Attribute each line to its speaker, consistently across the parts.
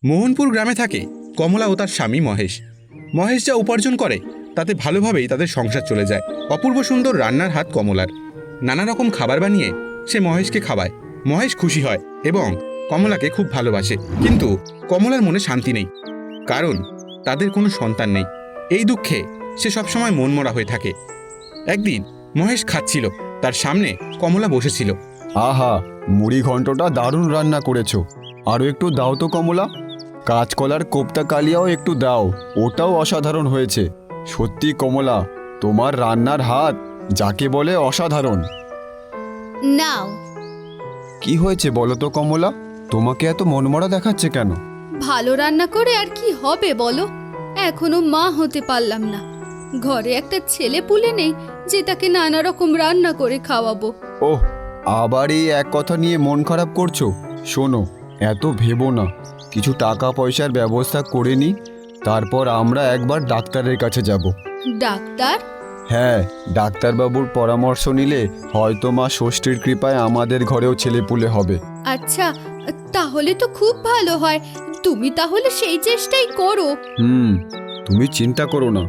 Speaker 1: মোহনপুর গ্রামে থাকে কমলা ও তার স্বামী মহেশ। মহেশ যা উপার্জন করে তাতে ভালোভাবেই তাদের সংসার চলে যায়। অপূর্ব সুন্দর রান্নার হাত কমলার। নানা রকম খাবার বানিয়ে সে মহেশকে খাওয়ায়। মহেশ খুশি হয় এবং কমলাকে খুব ভালোবাসে। কিন্তু কমলার মনে শান্তি নেই, কারণ তাদের কোনো সন্তান নেই। এই দুঃখে সে সবসময় মনমরা হয়ে থাকে। একদিন মহেশ খাচ্ছিল, তার সামনে কমলা বসেছিল।
Speaker 2: আহা, মুড়ি ঘন্টটা দারুণ রান্না করেছো। আরও একটু দাও তো কমলা। কাঁচকলার কোপ্তা কালিয়াও একটু দাও, ওটাও অসাধারণ হয়েছে। সত্যি কমলা, তোমার রান্নার হাত যাকে বলে অসাধারণ।
Speaker 3: নাও।
Speaker 2: কি হয়েছে বলো তো কমলা, তোমাকে এত মনমরা দেখাচ্ছে কেন?
Speaker 3: ভালো রান্না করে আর কি হবে বলো, এখনো মা হতে পারলাম না। ঘরে একটা ছেলে পুলে নেই যে তাকে নানা রকম রান্না করে খাওয়াবো।
Speaker 2: ওহ, আবার এই এক কথা নিয়ে মন খারাপ করছো? শোনো, এত ভেবো না, কিছু টাকা পয়সার ব্যবস্থা করে নি, তারপর আমরা একবার ডাক্তারের কাছে যাব।
Speaker 3: ডাক্তার?
Speaker 2: হ্যাঁ, ডাক্তারবাবুর পরামর্শ নিলে হয়তো মা ষষ্ঠীর কৃপায় আমাদের ঘরেও ছেলেপুলে হবে।
Speaker 3: আচ্ছা, তাহলে তো খুব ভালো হয়। তুমি তাহলে সেই চেষ্টাই করো।
Speaker 2: তুমি চিন্তা করো না।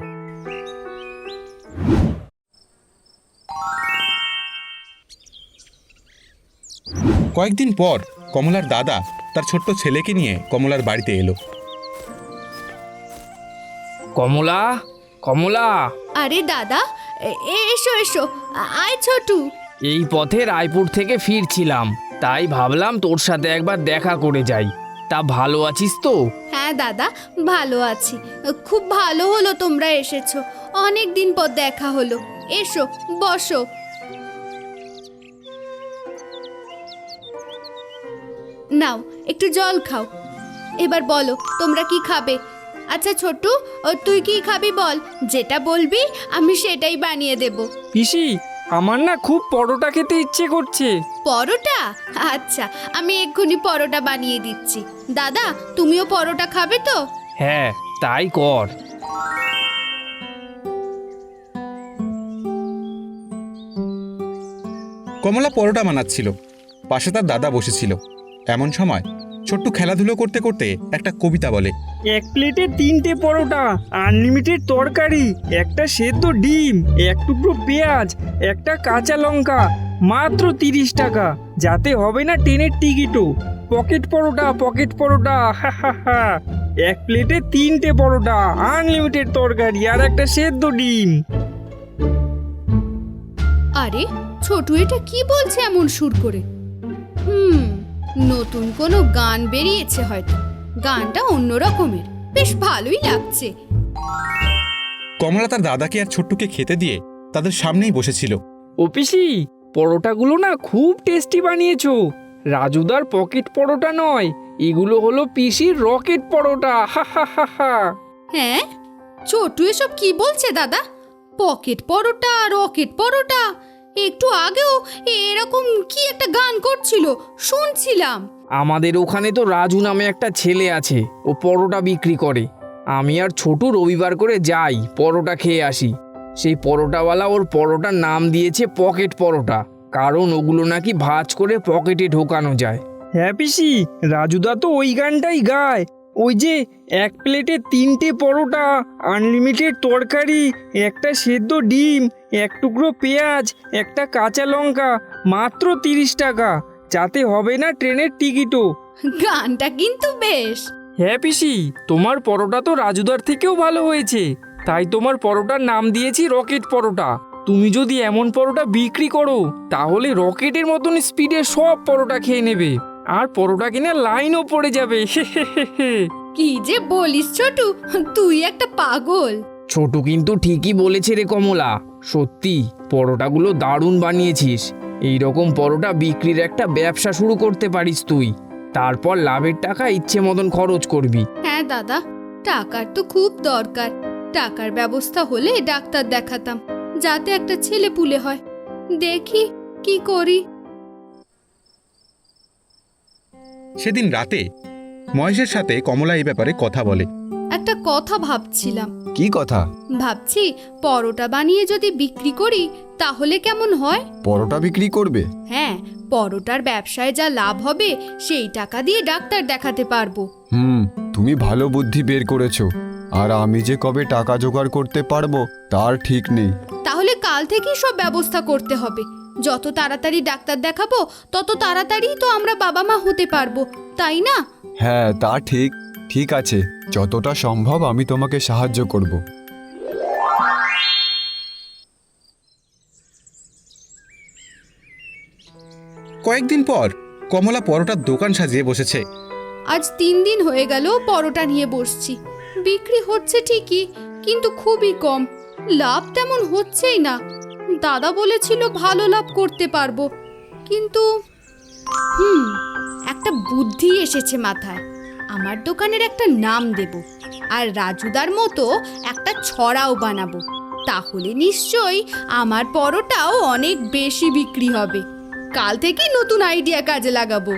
Speaker 1: কয়েকদিন পর কমলার দাদা তার ছোট্ট ছেলেকে নিয়ে কমলার বাড়িতে এলো।
Speaker 4: কমলা, কমলা।
Speaker 3: আরে দাদা, এসো এসো, আয় ছোটু।
Speaker 4: এই পথে রায়পুর থেকে ফিরছিলাম, তাই ভাবলাম তোর সাথে একবার দেখা করে যাই। তা ভালো আছিস তো?
Speaker 3: হ্যাঁ দাদা, ভালো আছি। খুব ভালো হলো তোমরা এসেছো, অনেক দিন পর দেখা হলো। এসো, বসো। নাও, একটু জল খাও। এবার বলো তোমরা কি খাবে। আচ্ছা ছোটু, তুই কি খাবি বল, যেটা বলবি আমি সেটাই বানিয়ে দেব।
Speaker 4: পিসি, আমার না খুব পরোটা খেতে ইচ্ছে করছে।
Speaker 3: পরোটা? আচ্ছা, আমি এক্ষুনি পরোটা বানিয়ে দিচ্ছি। দাদা, তুমিও পরোটা খাবে তো?
Speaker 4: হ্যাঁ, তাই কর।
Speaker 1: কমলা পরোটা বানাচ্ছিল, পাশে তার দাদা বসেছিল। এমন সময় ছোট্টু খেলাধুলো করতে করতে একটা কবিতা বলে।
Speaker 5: এক প্লেটে 3টে পরোটা, আনলিমিটেড তরকারি, একটা সেদ্ধ ডিম, এক টুকরো পেঁয়াজ, একটা কাঁচা লঙ্কা, মাত্র 30 টাকা। যাতে হবে না ট্রেনের টিকিটও। পকেট পরোটা, পকেট পরোটা, হা হা হা। এক প্লেটে 3টে পরোটা, আনলিমিটেড তরকারি আর একটা সেদ্ধ ডিম।
Speaker 3: আরে ছোটু এটা কি বলছে এমন সুর করে? নতুন কোনো গান বেরিয়েছে হয়তো। গানটা অন্য রকমের, বেশ ভালোই লাগছে।
Speaker 1: কমলা তার দাদাকে আর ছোট্টুকে খেতে দিয়ে তাদের সামনেই বসেছিল।
Speaker 5: ও পিসি, পরোটাগুলো না খুব টেস্টি বানিয়েছো। রাজুদার পকেট পরোটা নয়, এগুলো হলো পিসির রকেট পরোটা, হা হা হা হা।
Speaker 3: হ্যাঁ, ছোটু এসব কি বলছে দাদা? পকেট পরোটা, রকেট পরোটা, একটু আগেও এরকম কি একটা গান করছিল, শুনছিলাম।
Speaker 4: আমাদের ওখানে তো রাজু নামে একটা ছেলে আছে, ও পরোটা বিক্রি করে। আমি আর ছোটু রবিবার করে যাই পরোটা খেয়ে আসি। সেই পরোটাওয়ালা ওর পরোটার নাম দিয়েছে পকেট পরোটা, কারণ ওগুলো নাকি ভাঁজ করে পকেটে ঢোকানো যায়।
Speaker 5: হ্যাঁ পিসি, রাজুদা তো ওই গানটাই গায়। ওই যে এক প্লেটে 3টে পরোটা, আনলিমিটেড তরকারি, একটা সেদ্ধ ডিম, এক টুকরো পেঁয়াজ, একটা কাঁচা লঙ্কা, মাত্র 30 টাকা। যাতে হবে না ট্রেনের টিকিটও।
Speaker 3: গানটা কিন্তু বেশ।
Speaker 5: হ্যাঁ পিসি, তোমার পরোটা তো রাজুদার থেকেও ভালো হয়েছে, তাই তোমার পরোটার নাম দিয়েছি রকেট পরোটা। তুমি যদি এমন পরোটা বিক্রি করো তাহলে রকেটের মতন স্পিডে সব পরোটা খেয়ে নেবে, আর পরোটা কিনে লাইনও পড়ে যাবে।
Speaker 3: কি যে বলিস ছোটু, তুই একটা পাগল।
Speaker 4: ছোটু কিন্তু ঠিকই বলেছে রে কমলা, সত্যি পরোটাগুলো দারুণ বানিয়েছিস। এই রকম পরোটা বিক্রির একটা ব্যবসা শুরু করতে পারিস তুই, তারপর লাভের টাকা ইচ্ছে মতন খরচ করবি।
Speaker 3: হ্যাঁ দাদা, টাকার তো খুব দরকার। টাকার ব্যবস্থা হলে ডাক্তার দেখাতাম, যাতে একটা ছেলে পুলে হয়। দেখি কি করি।
Speaker 1: সেদিন রাতে মহেশের সাথে কমলা এই ব্যাপারে কথা বলে।
Speaker 3: একটা কথা ভাবছিলাম।
Speaker 2: কি কথা?
Speaker 3: ভাবছি পরোটা বানিয়ে যদি বিক্রি করি তাহলে কেমন হয়।
Speaker 2: পরোটা বিক্রি করবে?
Speaker 3: হ্যাঁ, পরোটার ব্যবসায় যা লাভ হবে সেই টাকা দিয়ে ডাক্তার দেখাতে পারবো।
Speaker 2: তুমি ভালো বুদ্ধি বের করেছো, আর আমি যে কবে টাকা জোগাড় করতে পারবো তার ঠিক নেই।
Speaker 3: তাহলে কাল থেকেই সব ব্যবস্থা করতে হবে। যত তাড়াতাড়ি ডাক্তার দেখাবো তত তাড়াতাড়ি তো আমরা বাবা মা হতে পারবো, তাই না?
Speaker 2: হ্যাঁ, তা ঠিক। ঠিক আছে, যতটা সম্ভব আমি তোমাকে সাহায্য করব।
Speaker 1: কয়েকদিন পর কমলা পরোটার দোকান সাজিয়ে বসেছে।
Speaker 3: আজ 3 দিন হয়ে গেল পরোটা নিয়ে বসছি। বিক্রি হচ্ছে ঠিকই, কিন্তু খুবই কম। লাভ তেমন হচ্ছেই না। দাদা বলেছিল ভালো লাভ করতে পারবো, কিন্তু একটা বুদ্ধি এসেছে মাথায়। আমার দোকানের একটা নাম দেব, আর রাজুদার মতো একটা ছড়াও বানাবো। তাহলে নিশ্চয়ই আমার পরোটাও অনেক বেশি বিক্রি হবে। কাল থেকেই নতুন আইডিয়া কাজে লাগাবো।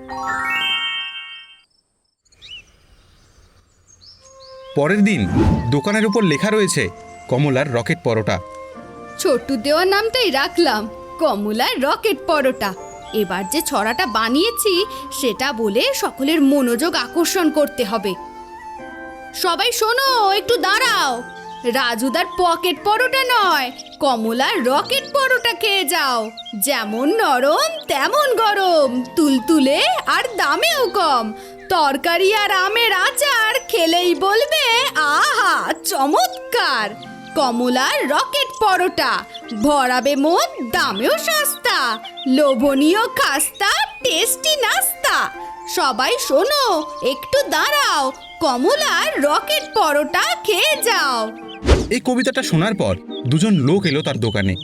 Speaker 1: পরের দিন দোকানের উপর লেখা রয়েছে কমলার রকেট পরোটা।
Speaker 3: ছোট্টু দেওয়ার নামটাই রাখলাম কমলার রকেট পরোটা। এবার যে ছড়াটা বানিয়েছি সেটা বলে সকলের মনোযোগ আকর্ষণ করতে হবে। সবাই শোনো, একটু দাঁড়াও। রাজুদার পকেট পরোটা নয়, কমলার রকেট পরোটা খেয়ে যাও। যেমন নরম তেমন গরম, তুলতুলে আর দামেও কম। তরকারি আর আমের আচার খেলেই বলবে আহা চমৎকার। কমলার রকেট পরোটা, ভরাবে মন, দামেও সস্তা, লোভনীয় খাস্তা, টেস্টি নাস্তা। সবাই শোনো, একটু দাঁড়াও, কমলার রকেট পরোটা খেয়ে যাও।
Speaker 1: এই কবিতাটা শোনার পর দুজন লোক এলো তার দোকানে।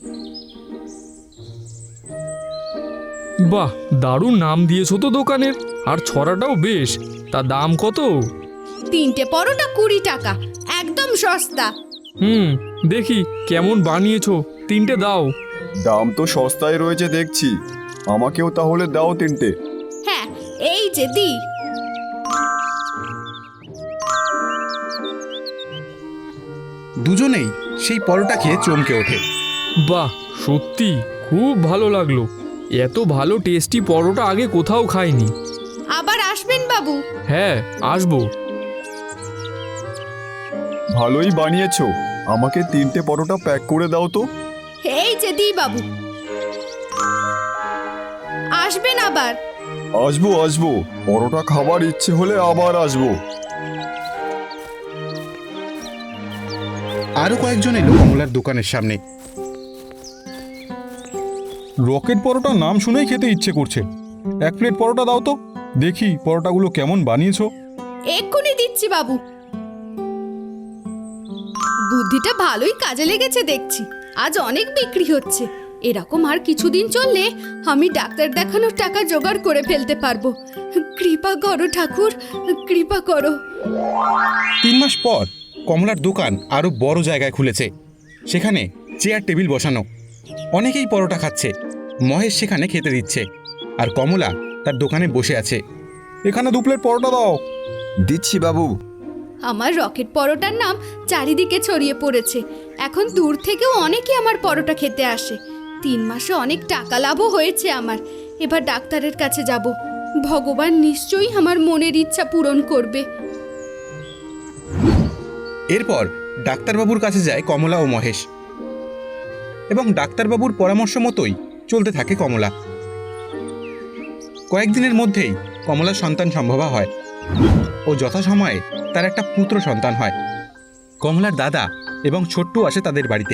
Speaker 6: বাহ, দারুণ নাম দিয়েছো তো দোকানের, আর ছড়াটাও বেশ। তা দাম কত?
Speaker 3: 3টে পরোটা 20 টাকা, একদম সস্তা।
Speaker 6: দেখি কেমন বানিয়েছো, 3টে দাও।
Speaker 2: দাম তো সস্তায় রয়েছে দেখছি, আমাকেও তাহলে দাও 3টে।
Speaker 3: হ্যাঁ, এই যে দি।
Speaker 1: দুজনেই সেই পরোটা খেয়ে চমকে ওঠে।
Speaker 6: বাহ, সত্যি খুব ভালো লাগলো। এত ভালো টেস্টি পরোটা আগে কোথাও খাইনি।
Speaker 3: আবার আসবেন বাবু।
Speaker 6: হ্যাঁ, আসবো।
Speaker 2: ভালোই বানিয়েছো, আমাকে 3টে পরোটা প্যাক করে দাও তো।
Speaker 3: এই যে দি বাবু, আসবেন আবার।
Speaker 2: আসবো আসবো, পরোটা খাবার ইচ্ছে হলে আবার আসবো।
Speaker 1: আরো কয়েকজন এলো কমলার দোকানের সামনে।
Speaker 7: রকেট পরোটা নাম শুনেই খেতে ইচ্ছে করছে। 1 প্লেট পরোটা দাও তো, দেখি পরোটাগুলো কেমন বানিয়েছো।
Speaker 3: এক্ষুনি দিচ্ছি বাবু। বুদ্ধিটা ভালোই কাজে লেগেছে দেখছি। আজ অনেক বিক্রি হচ্ছে। এরকম আর কিছুদিন চললে আমি ডাক্তার দেখানোর টাকা জোগাড় করে ফেলতে পারবো। কৃপা করো ঠাকুর, কৃপা করো।
Speaker 1: 3 মাস পর কমলার দোকান আরো বড় জায়গায় খুলেছে। সেখানে চেয়ার টেবিল বসানো, অনেকেই পরোটা খাচ্ছে। মহেশ সেখানে খেতে দিচ্ছে, আর কমলা তার দোকানে বসে আছে।
Speaker 7: এখানে 2 প্লেট পরোটা দাও।
Speaker 2: দিচ্ছি বাবু।
Speaker 3: আমার রকেট পরোটার নাম চারিদিকে ছড়িয়ে পড়েছে। এখন দূর থেকেও অনেকে আমার পরোটা খেতে আসে। 3 মাসে অনেক টাকা লাভও হয়েছে আমার। এবার ডাক্তারের কাছে যাব। ভগবান নিশ্চয়ই আমার মনের ইচ্ছা পূরণ করবে।
Speaker 1: এরপর ডাক্তারবাবুর কাছে যায় কমলা ও মহেশ, এবং ডাক্তারবাবুর পরামর্শ মতোই চলতে থাকে কমলা। কয়েকদিনের মধ্যেই কমলার সন্তান সম্ভবা হয় ও যথাসময়ে তার একটা পুত্র সন্তান হয়। কমলার দাদা এবং ছোট্টু আসে তাদের বাড়িতে।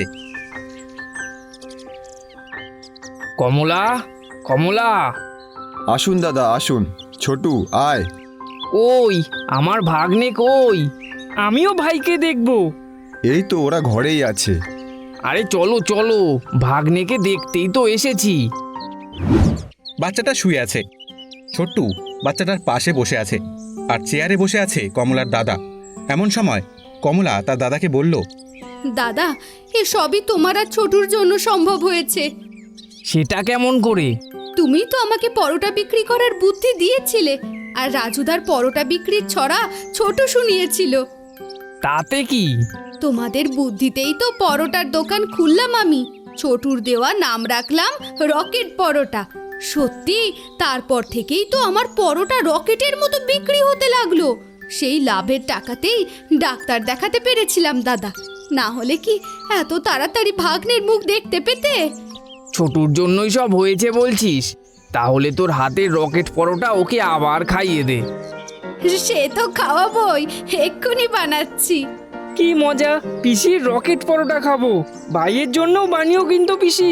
Speaker 4: কমলা, কমলা,
Speaker 2: আসুন দাদা আসুন। ছোটু আয়।
Speaker 4: ওই আমার ভাগ্নে কই?
Speaker 5: আমিও ভাইকে দেখবো।
Speaker 2: এই তো ওরা ঘরেই আছে।
Speaker 4: আরে চলো চলো, ভাগ্নেকে দেখতেই তো এসেছি।
Speaker 1: বাচ্চাটা শুয়ে আছে। ছোট্টু বাচ্চাটার পাশে বসে আছে, আর চেয়ারে বসে আছে কমলার দাদা। এমন সময় কমলা তার দাদাকে বলল,
Speaker 3: দাদা, এ সবই তোমার আর ছোটুর জন্য সম্ভব হয়েছে।
Speaker 4: সেটা কেমন করে?
Speaker 3: তুমি তো আমাকে পরোটা বিক্রি করার বুদ্ধি দিয়েছিলে, আর রাজুদার পরোটা বিক্রির ছড়া ছোট শুনিয়েছিল।
Speaker 4: তাতে কি?
Speaker 3: তোমাদের বুদ্ধিতেই তো পরোটার দোকান খুললাম আমি। ছোটুর দেওয়া নাম রাখলাম রকেট পরোটা। সত্যি, তারপর থেকেই তো আমার পরোটা রকেটের মতো বিক্রি হতে লাগলো। সেই লাভের টাকাতেই ডাক্তার দেখাতে পেরেছিলাম দাদা, না হলে কি এত তাড়াতাড়ি ভাগ্নের মুখ দেখতে পেতে?
Speaker 4: ছোটুর জন্যই সব হয়েছে বলছিস? তাহলে তোর হাতের রকেট পরোটা ওকে আবার খাইয়ে দে।
Speaker 3: সে তো খাওয়াবই, এক্ষুনি বানাচ্ছি।
Speaker 5: কি মজা, পিসির রকেট পরোটা খাবো। ভাইয়ের জন্যও বানিও কিন্তু পিসি।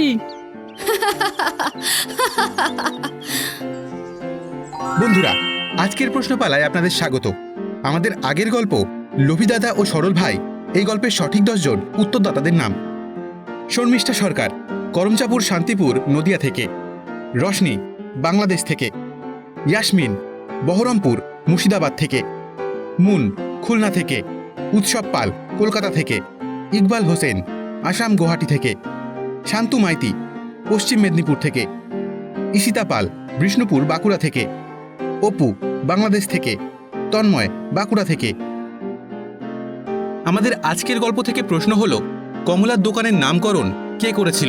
Speaker 1: বন্ধুরা, আজকের প্রশ্নপালায় আপনাদের স্বাগত। আমাদের আগের গল্প লোভী দাদা ও সরল ভাই, এই গল্পের সঠিক 10 জন উত্তরদাতাদের নাম: শর্মিষ্ঠা সরকার, করমচাপুর শান্তিপুর নদিয়া থেকে; রশনি, বাংলাদেশ থেকে; ইয়াসমিন, বহরমপুর মুর্শিদাবাদ থেকে; মুন, খুলনা থেকে; উৎসব পাল, কলকাতা থেকে; ইকবাল হোসেন, আসাম গুয়াহাটি থেকে; শান্তু মাইতি, পশ্চিম মেদিনীপুর থেকে; ঈশিতা পাল, বিষ্ণুপুর বাঁকুড়া থেকে; অপু, বাংলাদেশ থেকে; তন্ময়, বাঁকুড়া থেকে। আমাদের আজকের গল্প থেকে প্রশ্ন হলো, কমলার দোকানের নামকরণ কে করেছিল?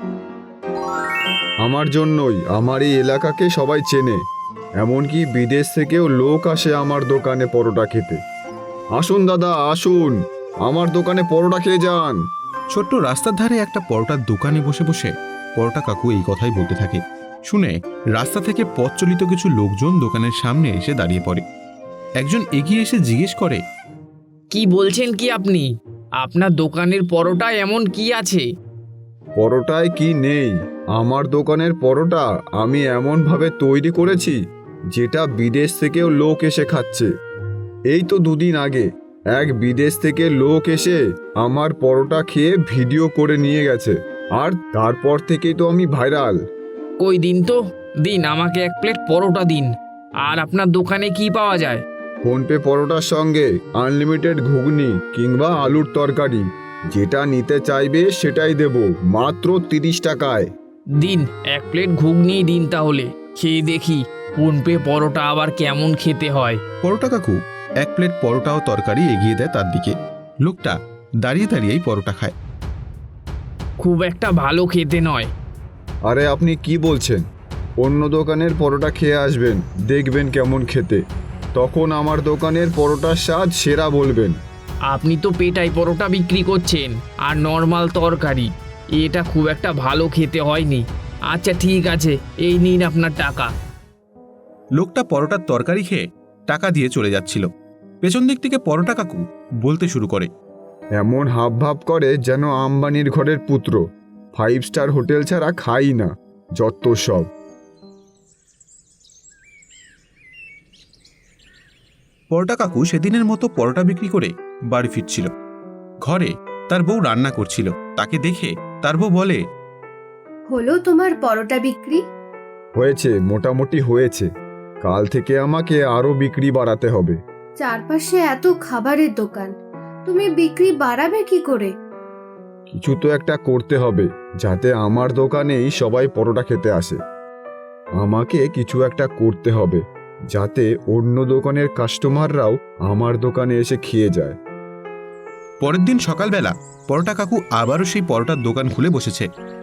Speaker 2: আমার জন্যই আমার এই এলাকাকে সবাই চেনে, এমনকি বিদেশ থেকেও লোক আসে আমার দোকানে পরোটা খেতে। আসুন দাদা, আসুন, আমার দোকানে পরোটা খেয়ে যান।
Speaker 1: ছোট্ট রাস্তার ধারে একটা পরোটার দোকানে বসে বসে পরোটা কাকু এই কথাই বলতে থাকে। শুনে রাস্তা থেকে পথ চলিত কিছু লোকজন দোকানের সামনে এসে দাঁড়িয়ে পড়ে। একজন এগিয়ে এসে জিজ্ঞেস করে,
Speaker 4: কি বলছেন কি আপনি? আপনার দোকানের পরোটায় এমন কি আছে?
Speaker 2: পরোটায় কি নেই? আমার দোকানের পরোটা আমি এমনভাবে তৈরি করেছি যেটা বিদেশ থেকেও লোক এসে খাচ্ছে। এই তো 2 দিন আগে এক বিদেশ থেকে লোক এসে আমার পরোটা খেয়ে ভিডিও করে নিয়ে গেছে, আর তারপর থেকেই তো আমি ভাইরাল।
Speaker 4: কই দিন তো, দিন আমাকে 1 প্লেট পরোটা দিন। আর আপনার দোকানে কি পাওয়া যায়?
Speaker 2: ফোনপে পরোটার সঙ্গে আনলিমিটেড ঘুগনি কিংবা আলুর তরকারি, যেটা নিতে চাইবে সেটাই দেব, মাত্র 30 টাকায়।
Speaker 4: দিন 1 প্লেট ঘুগনি দিন তাহলে, খেয়ে দেখি ফোনপে পরোটা আবার কেমন খেতে হয়।
Speaker 1: পরোটা কাকু 1 প্লেট পরোটা ও তরকারি এগিয়ে দেয় তার দিকে। লোকটা দাঁড়িয়ে দাঁড়িয়েই পরোটা খায়।
Speaker 4: খুব একটা ভালো খেতে নয়।
Speaker 2: আরে আপনি কি বলছেন? অন্য দোকানের পরোটা খেয়ে আসবেন, দেখবেন কেমন খেতে, তখন আমার দোকানের পরোটার স্বাদ সেরা বলবেন।
Speaker 4: আপনি তো পেটাই পরোটা বিক্রি করছেন আর নর্মাল তরকারি, এটা খুব একটা ভালো খেতে হয়নি। আচ্ছা ঠিক আছে, এই নিন আপনার টাকা।
Speaker 1: লোকটা পরোটার তরকারি খেয়ে টাকা দিয়ে চলে যাচ্ছিল। পেছন দিক থেকে পরোটা কাকু বলতে শুরু করে,
Speaker 2: এমন হাবভাব করে যেন আম্বানির ঘরের পুত্র, 5 স্টার হোটেল ছাড়া খাই না, যত সব।
Speaker 1: পরোটা কাকু সেদিনের মতো পরোটা বিক্রি করে বাড়ি ফিরছিল। ঘরে তার বউ রান্না করছিল। তাকে দেখে তার বউ বলে,
Speaker 3: হলো তোমার পরোটা বিক্রি?
Speaker 2: হয়েছে, মোটামুটি হয়েছে। কাল থেকে আমাকে আরো বিক্রি বাড়াতে হবে।
Speaker 3: চারপাশে এত খাবারের দোকান, তুমি বিক্রি বাড়াবে কি করে?
Speaker 2: কিছু তো একটা করতে হবে যাতে আমার দোকানেই সবাই পরোটা খেতে আসে। আমাকে কিছু একটা করতে হবে যাতে অন্য দোকানের কাস্টমাররাও আমার দোকানে এসে খেয়ে যায়।
Speaker 1: পরের দিন সকালবেলা পরোটা কাকু আবারও সেই পরোটার দোকান খুলে বসেছে।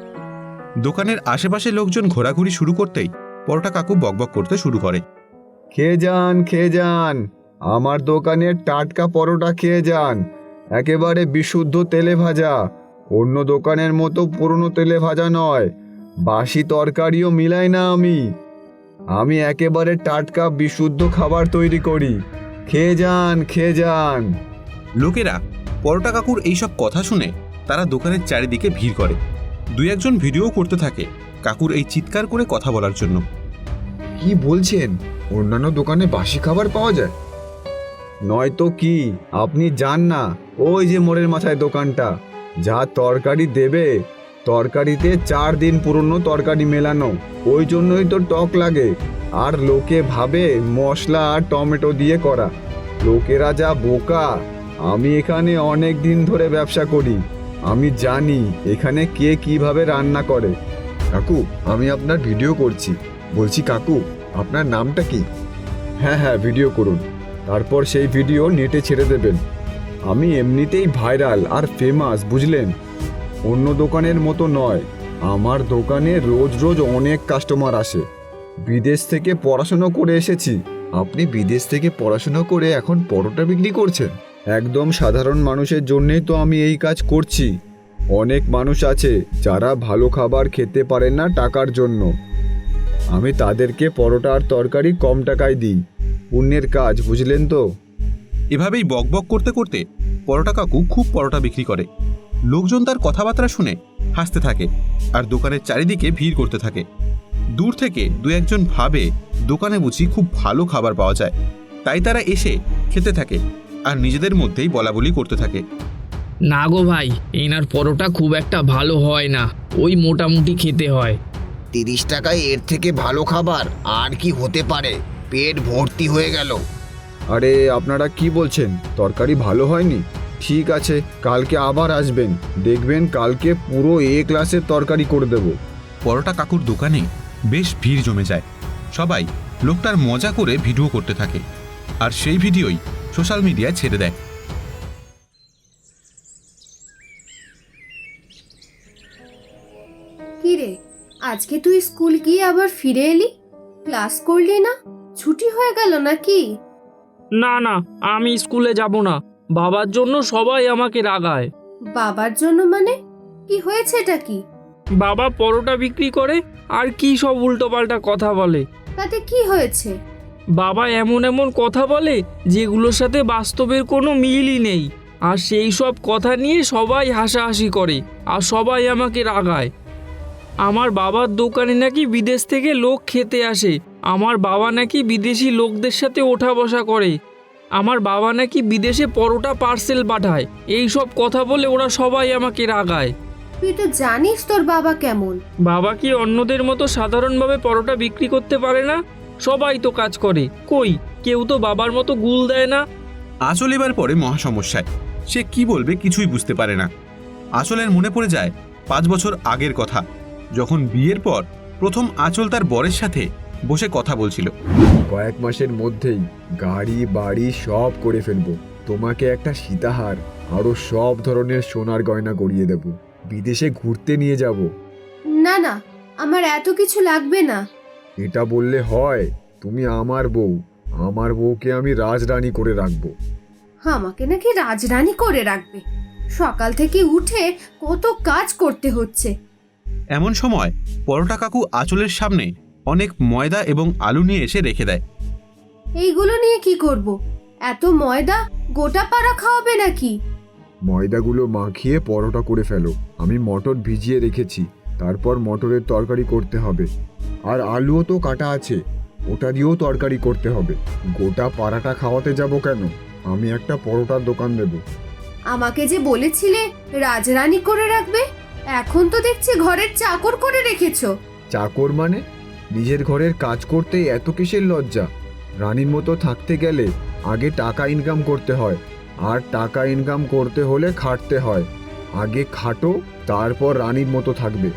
Speaker 1: দোকানের আশেপাশে লোকজন ঘোরাঘুরি শুরু করতেই পরোটা কাকু বকবক করতে শুরু করে,
Speaker 2: খেয়ে যান, খেয়ে যান, আমার দোকানের টাটকা পরোটা খেয়ে যান, একেবারে বিশুদ্ধ তেলে ভাজা, অন্য দোকানের মতো পুরনো তেলে ভাজা নয়, বাসি তরকারিও মিলাই না আমি একেবারে টাটকা বিশুদ্ধ খাবার তৈরি করি, খেয়ে যান, খেয়ে যান।
Speaker 1: লোকেরা পরোটা কাকুর এইসব কথা শুনে তারা দোকানের চারিদিকে ভিড় করে। 2-1 জন ভিডিও করতে থাকে কাকুর এই চিৎকার করে কথা বলার জন্য।
Speaker 2: কি বলছেন? অন্যান্য দোকানে বাসি খাবার পাওয়া যায়? নয়তো কি, আপনি যান না, ওই যে মোড়ের মাথায় দোকানটা, যা তরকারি দেবে তরকারিতে 4 দিন পুরনো তরকারি মেলানো, ওই জন্যই তো টক লাগে। আর লোকে ভাবে মশলা আর টমেটো দিয়ে করা। লোকেরা যা বোকা! আমি এখানে অনেক দিন ধরে ব্যবসা করি, আমি জানি এখানে কে কিভাবে রান্না করে। কাকু, আমি আপনার ভিডিও করছি। বলছি কাকু, আপনার নামটা কি? হ্যাঁ হ্যাঁ, ভিডিও করুন, তারপর সেই ভিডিও নেটে ছেড়ে দেবেন। আমি এমনিতেই ভাইরাল আর ফেমাস, বুঝলেন? অন্য দোকানের মতো নয়, আমার দোকানে রোজ রোজ অনেক কাস্টমার আসে। বিদেশ থেকে পড়াশোনা করে এসেছি। আপনি বিদেশ থেকে পড়াশোনা করে এখন পরোটা বিক্রি করছেন? একদম সাধারণ মানুষের জন্যই তো আমি এই কাজ করছি। অনেক মানুষ আছে যারা ভালো খাবার খেতে পারেন না টাকার জন্য। আমি তাদেরকে পরোটা আর তরকারি কম টাকায় দিই। পুণ্যের কাজ, বুঝলেন তো?
Speaker 1: এভাবেই বকবক করতে করতে পরোটা কাকু খুব পরোটা বিক্রি করে। লোকজন তার কথাবার্তা শুনে হাসতে থাকে আর দোকানের চারিদিকে ভিড় করতে থাকে। দূর থেকে দু একজন ভাবে দোকানে বুঝি খুব ভালো খাবার পাওয়া যায়, তাই তারা এসে খেতে থাকে আর নিজেদের মধ্যেই বলাবলি করতে থাকে।
Speaker 4: না গো ভাই, এনার পরোটা খুব একটা ভালো হয় না, ওই মোটামুটি খেতে হয়।
Speaker 8: 30 টাকায় এর থেকে ভালো খাবার আর কি হতে পারে? পেট ভর্তি হয়ে গেল।
Speaker 2: আরে আপনারা কি বলছেন? তরকারি ভালো হয়নি? ঠিক আছে, কালকে আবার আসবেন, দেখবেন কালকে পুরো ক্লাসের তরকারি করে দেব।
Speaker 1: পরোটা কাকুর দোকানে বেশ ভিড় জমে যায়। সবাই লোকটার মজা করে ভিডিও করতে থাকে আর সেই ভিডিওই সোশ্যাল মিডিয়ায় ছেড়ে দেয়।
Speaker 3: কি রে, আজকে তুই স্কুল গিয়ে আবার ফিরে এলি? ক্লাস করলি না? ছুটি হয়ে গেল নাকি?
Speaker 5: না না, আমি স্কুলে যাব না। বাবার জন্য সবাই আমাকে রাগায়।
Speaker 3: বাবার জন্য মানে? কি হয়েছে এটা কি?
Speaker 5: বাবা পরোটা বিক্রি করে আর কি সব উল্টোপাল্টা কথা বলে।
Speaker 3: তাতে কি হয়েছে?
Speaker 5: বাবা এমন এমন কথা বলে যেগুলোর সাথে বাস্তবের কোনো মিলই নেই, আর সেই সব কথা নিয়ে সবাই হাসাহাসি করে আর সবাই আমাকে রাগায়। আমার বাবার দোকানে নাকি বিদেশ থেকে লোক খেতে আসে, আমার বাবা নাকি বিদেশি লোকদের সাথে ওঠা বসা করে, আমার বাবা নাকি বিদেশে পরোটা পার্সেল পাঠায়। এই সব কথা বলে ওরা সবাই আমাকে রাগায়।
Speaker 3: তুই তো জানিস তোর বাবা কেমন।
Speaker 5: বাবা কি অন্যদের মতো সাধারণভাবে পরোটা বিক্রি করতে পারে না? সবাই তো কাজ করে, কই কেউ তো বাবার মতো গুল দেয় না।
Speaker 1: আঁচল এবার পরে মহা সমস্যায়। সে কি বলবে কিছুই বুঝতে পারে না। আঁচলের মনে পড়ে যায় 5 বছর আগের কথা, যখন বিয়ের পর প্রথম আঁচল তার বরের সাথে বসে কথা বলছিল।
Speaker 2: কয়েক মাসের মধ্যেই গাড়ি বাড়ি সব করে ফেলবো। তোমাকে একটা সীতাহার আরো সব ধরনের সোনার গয়না গড়িয়ে দেব। বিদেশে ঘুরতে নিয়ে যাব।
Speaker 3: না না, আমার এত কিছু লাগবে না।
Speaker 2: এটা বললে হয়? তুমি আমার বউ, আমার বউকে আমি রাজরানী করে রাখবো।
Speaker 3: আমাকে নাকি রাজরানী করে রাখবে? সকাল থেকে উঠে কত কাজ করতে হচ্ছে।
Speaker 1: এমন সময় পরোটা কাকু আঁচলের সামনে অনেক ময়দা এবং আলু নিয়ে এসে রেখে দেয়।
Speaker 3: এইগুলো নিয়ে কি করব? এত ময়দা গোটা পাড়া খাওয়াবে নাকি?
Speaker 2: ময়দাগুলো মাখিয়ে পরোটা করে ফেলো। আমি মটর ভিজিয়ে রেখেছি, তারপর মটরের তরকারি করতে হবে। আর আলুও তো কাটা আছে, ওটা দিয়েও তরকারি করতে হবে। গোটা পাড়াটা খাওয়াতে যাব কেন? আমি একটা পরোটার দোকান দেব।
Speaker 3: আমাকে যে বলেছিলে রাজরানী করে রাখবে, এখন তো দেখছি ঘরের চাকর করে রেখেছো।
Speaker 2: চাকর মানে? নিজের ঘরের কাজ করতে এত কিসের লজ্জা? রানীর মতো থাকতে গেলে আগে টাকা ইনকাম করতে হয়, আর টাকা ইনকাম করতে হলে খাটতে হয়। আগে খাটো, তারপর রানীর মতো থাকবে।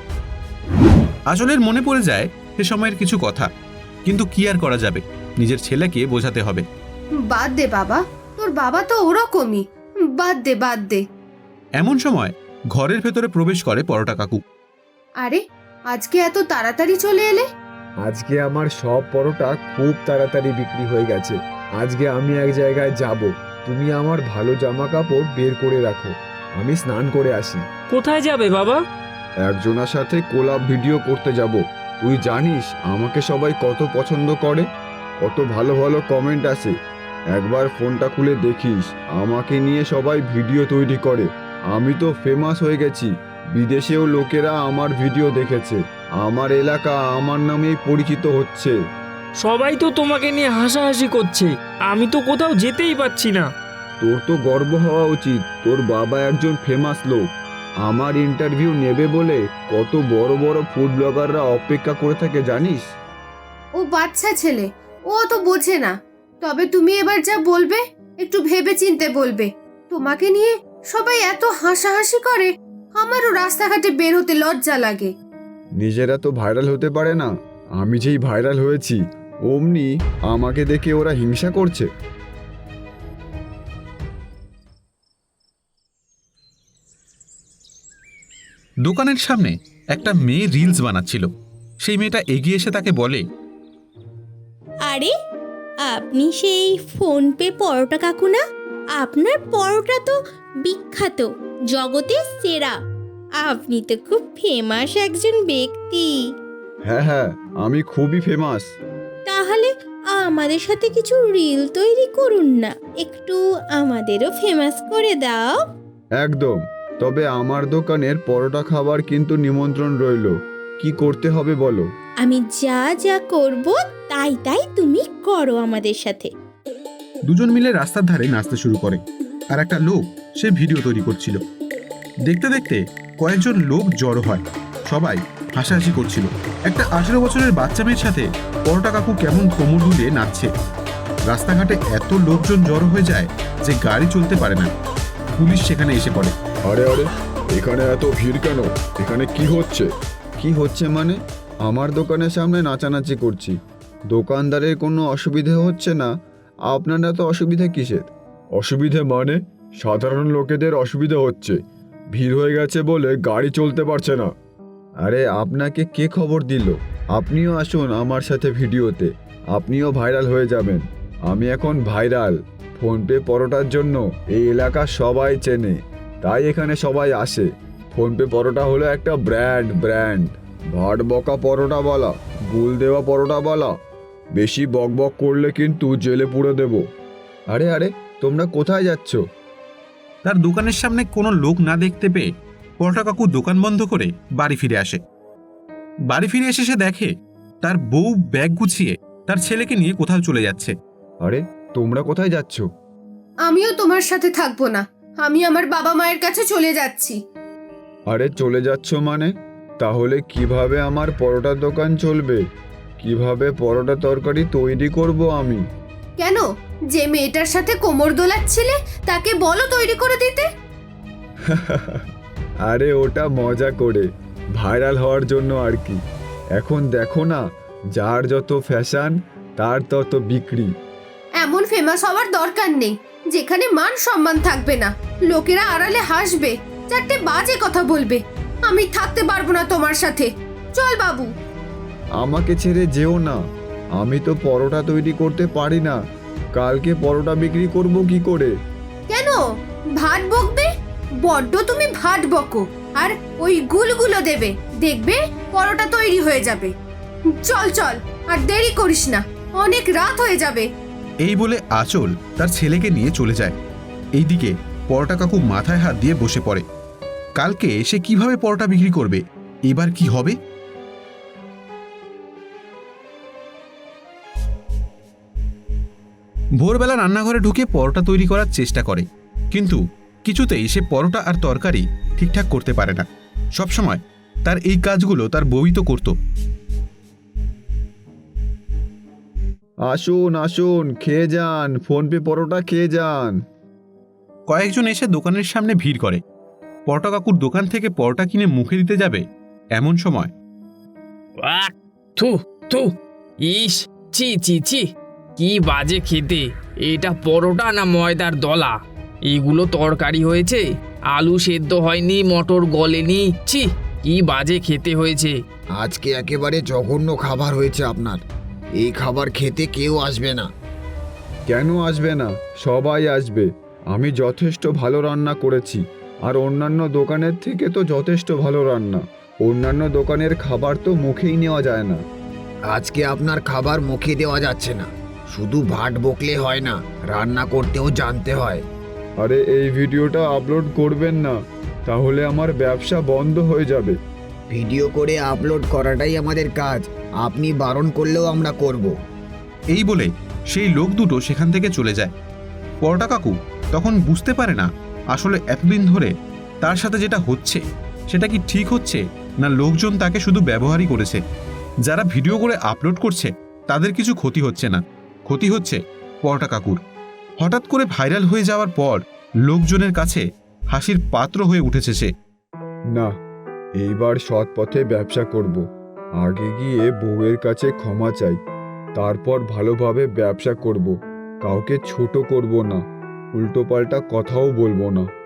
Speaker 1: আঁচলের মনে পড়ে যায় সে সময়ের কিছু কথা, কিন্তু কি আর করা যাবে, নিজের ছেলেকে বোঝাতে হবে।
Speaker 3: বাদ দে বাবা, তোর বাবা তো ওরকমই। বাদ দে বাদ দে।
Speaker 1: এমন সময় ঘরের ভেতরে প্রবেশ করে পরোটা কাকু।
Speaker 3: আরে, আজকে এত তাড়াতাড়ি চলে এলে?
Speaker 2: আজকে আমার সব পরোটা খুব তাড়াতাড়ি বিক্রি হয়ে গেছে। আজকে আমি এক জায়গায় যাব। তুমি আমার ভালো জামা কাপড় বের করে রাখো, আমি স্নান করে আসি।
Speaker 5: কোথায় যাবে বাবা?
Speaker 2: একজনের সাথে কোলাপ ভিডিও করতে যাব। তুই জানিস আমাকে সবাই কত পছন্দ করে, কত ভালো ভালো কমেন্ট আসে। একবার ফোনটা খুলে দেখিস, আমাকে নিয়ে সবাই ভিডিও তৈরি করে। আমি তো ফেমাস হয়ে গেছি, বিদেশেও লোকেরা আমার ভিডিও দেখেছে। আমার এলাকা আমার নামেই পরিচিত হচ্ছে।
Speaker 5: সবাই তো তোমাকে নিয়ে হাসাহাসি করছে, আমি তো কোথাও যেতেই পারছি না।
Speaker 2: তোর তো গর্ব হওয়া উচিত, তোর বাবা একজন ফেমাস লোক। আমার ইন্টারভিউ নেবে বলে কত বড় বড় ফুড ব্লগাররা অপেক্ষা করে থাকে জানিস?
Speaker 3: ও বাচ্চা ছেলে, ও তো বোঝে না। তবে তুমি এবার যা বলবে একটু ভেবে চিনতে বলবে। তোমাকে নিয়ে সবাই এত হাসাহাসি করে, আমারও রাস্তাঘাটে বের হতে লজ্জা লাগে।
Speaker 2: নিজেরা তো ভাইরাল হতে পারে না, আমি যেই ভাইরাল হয়েছি অমনি আমাকে দেখে ওরা হিংসা করছে।
Speaker 1: দোকানের সামনে একটা মেয়ে রিলস বানাচ্ছিল। সেই মেয়েটা এগিয়ে এসে তাকে বলে,
Speaker 9: আরে আপনি সেই ফোনপে পরোটা কাকু না? আপনার পরোটা তো বিখ্যাত, জগতের সেরা। আপনি তো খুব ফেমাস একজন ব্যক্তি।
Speaker 2: হ্যাঁ হ্যাঁ, আমি খুবই ফেমাস।
Speaker 9: তাহলে আমাদের সাথে কিছু রিল তৈরি করুন না, একটু আমাদেরও ফেমাস করে দাও।
Speaker 2: একদম। তবে আমার দোকানের পরোটা খাবার কিন্তু নিমন্ত্রণ রইল। কি করতে হবে বলো?
Speaker 9: আমি যা যা করব তাই তাই তুমি করো আমাদের সাথে।
Speaker 1: দুজন মিলে রাস্তার ধারে নাচতে শুরু করে, আর একটা লোক সে ভিডিও তৈরি করছিল। দেখতে দেখতে কয়েকজন লোক জড়ো হয়, সবাই হাসাহাসি করছিল। একটা 18 বছরের বাচ্চা মেয়ের সাথে পরোটা কাকু কেমন কোমর দুলিয়ে নাচছে। রাস্তাঘাটে এত লোকজন জড়ো হয়ে যায় যে গাড়ি চলতে পারে না। পুলিশ সেখানে এসে পড়ে।
Speaker 2: আরে আরে, এখানে এত ভিড় কেন? এখানে কি হচ্ছে? কি হচ্ছে মানে? আমার দোকানের সামনে নাচানাচি করছি, দোকানদারের কোনো অসুবিধে হচ্ছে না, আপনারা তো অসুবিধা কিসের? অসুবিধে মানে সাধারণ লোকেদের অসুবিধা হচ্ছে, ভিড় হয়ে গেছে বলে গাড়ি চলতে পারছে না। আরে আপনাকে কে খবর দিল? আপনিও আসুন আমার সাথে ভিডিওতে, আপনিও ভাইরাল হয়ে যাবেন। আমি এখন ভাইরাল। ফোনপে পরোটার জন্য এই এলাকা সবাই চেনে, তাই এখানে সবাই আসে। ফোনপে পরোটা হলো একটা ব্র্যান্ড। ভাট বকা পরোটা বলা, গুল দেওয়া পরোটা বলা, বেশি বকবক করলে কিন্তু জেলে পুরে দেব। আরে আরে, তোমরা কোথায় যাচ্ছ?
Speaker 1: তার দোকানের সামনে কোনো লোক না দেখতে পেয়ে পরোটা কাকু দোকান বন্ধ করে বাড়ি ফিরে আসে। বাড়ি ফিরে এসে সে দেখে তার বউ ব্যাগ গুছিয়ে তার ছেলেকে নিয়ে কোথাও চলে যাচ্ছে।
Speaker 2: আরে তোমরা কোথায় যাচ্ছ?
Speaker 3: আমিও তোমার সাথে থাকবো না, আমি আমার বাবা মায়ের কাছে চলে যাচ্ছি।
Speaker 2: আরে চলে যাচ্ছ মানে? তাহলে কিভাবে আমার পরোটার দোকান চলবে? কিভাবে পরোটা তরকারি তৈরি করব আমি?
Speaker 3: কেন, যে মেয়েটার সাথে কোমর দোলাচ্ছিলে তাকে বলো তৈরি করে দিতে।
Speaker 2: আরে ওটা মজা করে, ভাইরাল হওয়ার জন্য আর কি। এখন দেখো না, যার যত ফ্যাশন তার তত বিক্রি।
Speaker 3: এমন ফেমাস হওয়ার দরকার নেই যেখানে মান সম্মান থাকবে না, লোকেরা আড়ালে হাসবে, চারটে বাজে কথা বলবে। আমি থাকতে পারবো না তোমার সাথে, চল বাবু।
Speaker 2: আমাকে ছেড়ে যেও না, আমি তো পরোটা তৈরি করতে পারি না। কালকে পরোটা বিক্রি করব কি করে?
Speaker 3: কেন ভাত বকবে? বড্ড তুমি ভাত বকো, আর ওই গুলগুলো দেবে, দেখবে পরোটা তৈরি হয়ে যাবে। চল চল, আর দেরি করিস না, অনেক রাত হয়ে যাবে।
Speaker 1: এই বলে আঁচল তার ছেলেকে নিয়ে চলে যায়। এইদিকে পরোটা কাকু মাথায় হাত দিয়ে বসে পড়ে। কালকে সে কিভাবে পরোটা বিক্রি করবে? এবার কি হবে? ভোরবেলা রান্নাঘরে ঢুকে পরোটা তৈরি করার চেষ্টা করে, কিন্তু কিছুতেই সে পরোটা আর তরকারি ঠিকঠাক করতে পারে না। সবসময় তার এই কাজগুলো তার বউই তো করত।
Speaker 2: আসুন আসুন, খেয়ে যান, ফোনপে পরোটা খেয়ে যান।
Speaker 1: কয়েকজন এসে দোকানের সামনে ভিড় করে। পরোটা কাকুর দোকান থেকে পরোটা কিনে মুখে দিতে যাবে, এমন সময়
Speaker 4: আহ, থু থু, ইস, ছি ছি ছি, কি বাজে খেতে। এটা পরোটা না ময়দার দলা? এগুলো তরকারি হয়েছে, আলু সেদ্ধ হয়নি, মটর গলেনি। ছি, কি বাজে খেতে হয়েছে।
Speaker 8: আজকে একেবারে জঘন্য খাবার হয়েছে আপনার। এই খাবার খেতে কেউ আসবে না।
Speaker 2: কেন আসবে না? সবাই আসবে। আমি যথেষ্ট ভালো রান্না করেছি, আর অন্যান্য দোকানের থেকে তো যথেষ্ট ভালো রান্না। অন্যান্য দোকানের খাবার তো মুখেই নেওয়া যায় না।
Speaker 8: আজকে আপনার খাবার মুখে দেওয়া যাচ্ছে না। শুধু ভাট বকলে হয় না, রান্না করতেও জানতে হয়।
Speaker 2: আরে এই ভিডিওটা আপলোড করবেন না, তাহলে আমার ব্যবসা বন্ধ হয়ে যাবে।
Speaker 8: ভিডিও করে আপলোড করাটাই আমাদের কাজ, আপনি বারণ করলেও আমরা করব।
Speaker 1: এই বলে সেই লোক দুটো সেখান থেকে চলে যায়। পরোটা কাকু তখন বুঝতে পারে না আসলে এতদিন ধরে তার সাথে যেটা হচ্ছে সেটা কি ঠিক হচ্ছে, না লোকজন তাকে শুধু ব্যবহারই করেছে। যারা ভিডিও করে আপলোড করছে তাদের কিছু ক্ষতি হচ্ছে না, ক্ষতি হচ্ছে পরোটা কাকুর। হঠাৎ করে ভাইরাল হয়ে যাওয়ার পর লোকজনের কাছে হাসির পাত্র হয়ে উঠেছে সে।
Speaker 2: না, এইবার সৎ পথে ব্যবসা করব। আগে গিয়ে বউয়ের কাছে ক্ষমা চাই, তারপর ভালোভাবে ব্যবসা করব। কাউকে ছোট করব না, উল্টোপাল্টা কথাও বলবো না।